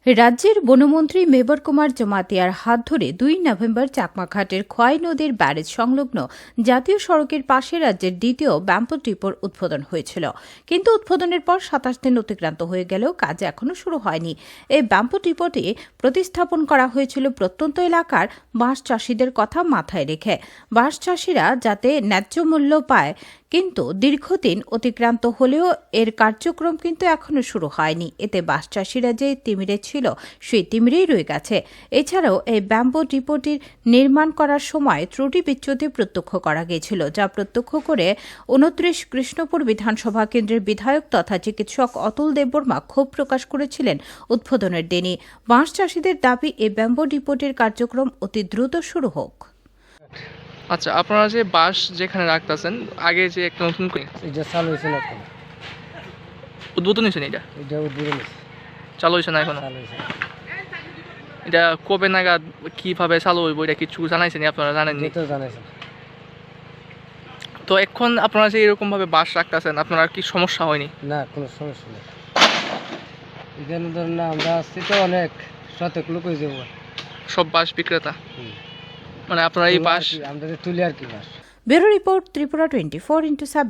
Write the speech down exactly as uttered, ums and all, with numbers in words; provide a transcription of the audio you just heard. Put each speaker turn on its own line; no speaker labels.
রাজ্যের বনমন্ত্রী মেবর কুমার জমাতিয়ার হাত ধরে দুই নভেম্বর চাকমাঘাটের খোয়াই নদীর ব্যারেজ সংলগ্ন জাতীয় সড়কের পাশে রাজ্যের দ্বিতীয় ব্যাম্পো ডিপোর উদ্বোধন হয়েছিল। কিন্তু উদ্বোধনের পর সাতাশ দিন অতিক্রান্ত হয়ে গেলেও কাজ এখনও শুরু হয়নি। এই ব্যাম্পো ডিপোটি প্রতিস্থাপন করা হয়েছিল প্রত্যন্ত এলাকার বাঁশ চাষিদের কথা মাথায় রেখে, বাঁশ চাষিরা যাতে ন্যায্য মূল্য পায়। কিন্তু দীর্ঘদিন অতিক্রান্ত হলেও এর কার্যক্রম কিন্তু এখনও শুরু হয়নি। এতে বাঁশ চাষিরা যে তিমিরে ছিল সেই তিমিরেই রয়ে গেছে। এছাড়াও এই ব্যাম্বো ডিপোটির নির্মাণ করার সময় ত্রুটি বিচ্যুতি প্রত্যক্ষ করা গিয়েছিল, যা প্রত্যক্ষ করে উনত্রিশ কৃষ্ণপুর বিধানসভা কেন্দ্রের বিধায়ক তথা চিকিৎসক অতুল দেববর্মা ক্ষোভ প্রকাশ করেছিলেন উদ্বোধনের দিনই। বাঁশ চাষিদের দাবি এই ব্যাম্বো ডিপোটির কার্যক্রম অতি দ্রুত শুরু হোক।
আচ্ছা, আপনারা যে বাঁশ যেখানে রাখতেছেন আগে যে একটা নতুন করে
এটা চালু হয়েছে না এখনো।
উদ্বোধন হয়েছে না? এটা
এটা উদ্বোধন হয়েছে,
চালু হয়েছে না এখনো?
চালু হয়েছে।
এটা কবে নাগাদ কিভাবে চালু হইব এটা কিছু জানাইছেন? আপনারা জানেননি?
এটা তো জানাইছে না।
তো এখন আপনারা যে এরকম ভাবে বাঁশ রাখতেছেন, আপনার কি সমস্যা হয়নি?
না, কোনো সমস্যা নেই। এখানে ধরেন না, আমরা আসছি তো অনেক শতক লোক হয়ে যাবো।
সব বাঁশ বিক্রেতা, মানে আপনারা এই বাঁশ
আমরা তুলি আর কি বাস।
Bureau report, Tripura twenty four into